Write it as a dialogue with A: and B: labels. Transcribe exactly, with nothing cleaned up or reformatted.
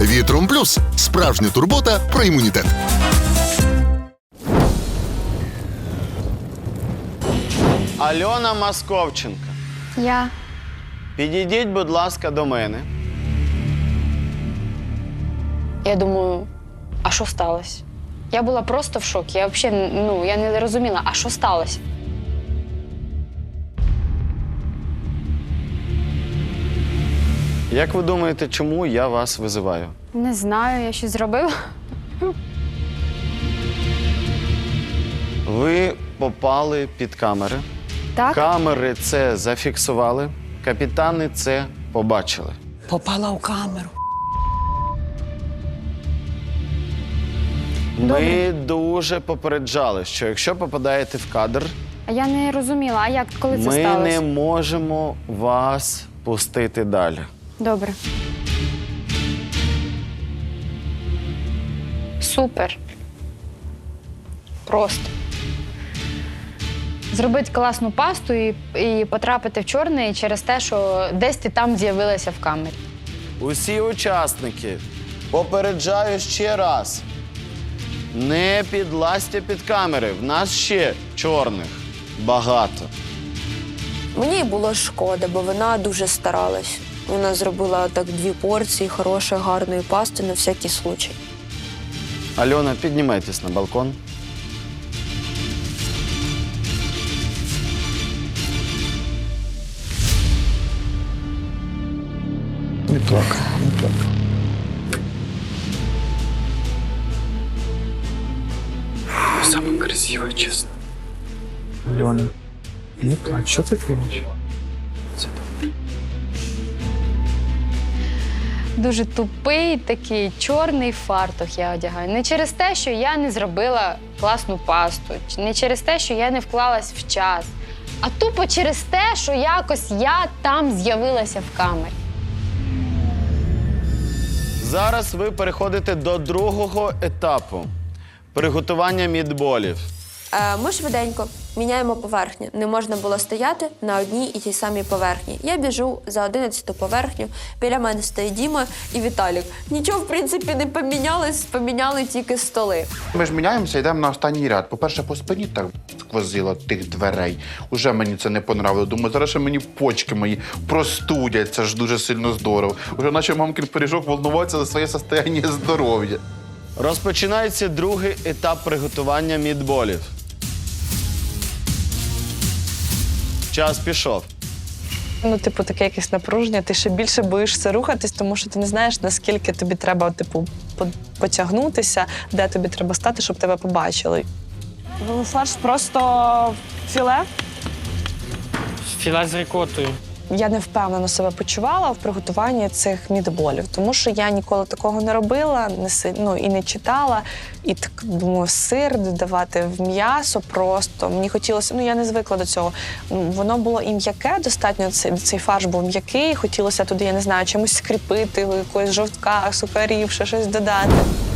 A: Вітром Плюс – справжня турбота про імунітет.
B: Альона Московченка,
C: Я.
B: підійдіть, будь ласка, до мене.
C: Я думаю, а що сталося? Я була просто в шокі. Я взагалі, ну, я не розуміла, а що сталося?
B: Як ви думаєте, чому я вас визиваю?
C: Не знаю, я щось зробила.
B: Ви попали під камери.
C: Так?
B: Камери це зафіксували, капітани це побачили.
D: Попала у камеру.
B: Ми дуже попереджали, що якщо попадаєте в кадр,
C: А я не розуміла, а як, коли це
B: ми
C: сталося?
B: не можемо вас пустити далі.
C: Добре. Супер. Просто. Зробити класну пасту і, і потрапити в чорний через те, що десь ти там з'явилася в камері.
B: Усі учасники, попереджаю ще раз. Не підлазьте під камери. В нас ще чорних багато.
E: Мені було шкода, бо вона дуже старалась. Вона зробила так дві порції хорошої, гарної пасти на всякий случай.
B: Альона, піднімайтесь на балкон.
F: Не плакай, не плакай.
G: Самая красивая, честно.
F: Альона, не плач, що ти робиш?
C: Дуже тупий такий чорний фартух я одягаю. Не через те, що я не зробила класну пасту, не через те, що я не вклалась в час, а тупо через те, що якось я там з'явилася в камері.
B: Зараз ви переходите до другого етапу – приготування мідболів.
E: Е, ми швиденько міняємо поверхню. Не можна було стояти на одній і тій самій поверхні. Я біжу за одинадцяту поверхню, біля мене стоїть Діма і Віталік. Нічого, в принципі, не помінялось, поміняли тільки столи.
H: Ми ж міняємося, йдемо на останній ряд. По-перше, по спині так сквозило тих дверей. Уже мені це не понравило. Думаю, зараз ще мені почки мої простудять. Це ж дуже сильно здорово. Уже наче мамкин пиріжок волнуватися за своє состояння здоров'я.
B: Розпочинається другий етап приготування мідболів. Час пішов.
D: Ну, типу, таке якесь напруження, ти ще більше боїшся рухатись, тому що ти не знаєш, наскільки тобі треба, типу, по- потягнутися, де тобі треба стати, щоб тебе побачили.
I: Фарш просто філе.
G: Філа з рикотою.
D: Я не впевнено себе почувала в приготуванні цих мідболів, тому що я ніколи такого не робила, не си- ну, і не читала. І так думаю, сир додавати в м'ясо просто. Мені хотілося, ну я не звикла до цього. Ну, воно було і м'яке, достатньо цей, цей фарш був м'який. Хотілося туди, я не знаю, чимось скріпити, якогось жовтка, сухарів, ще щось додати.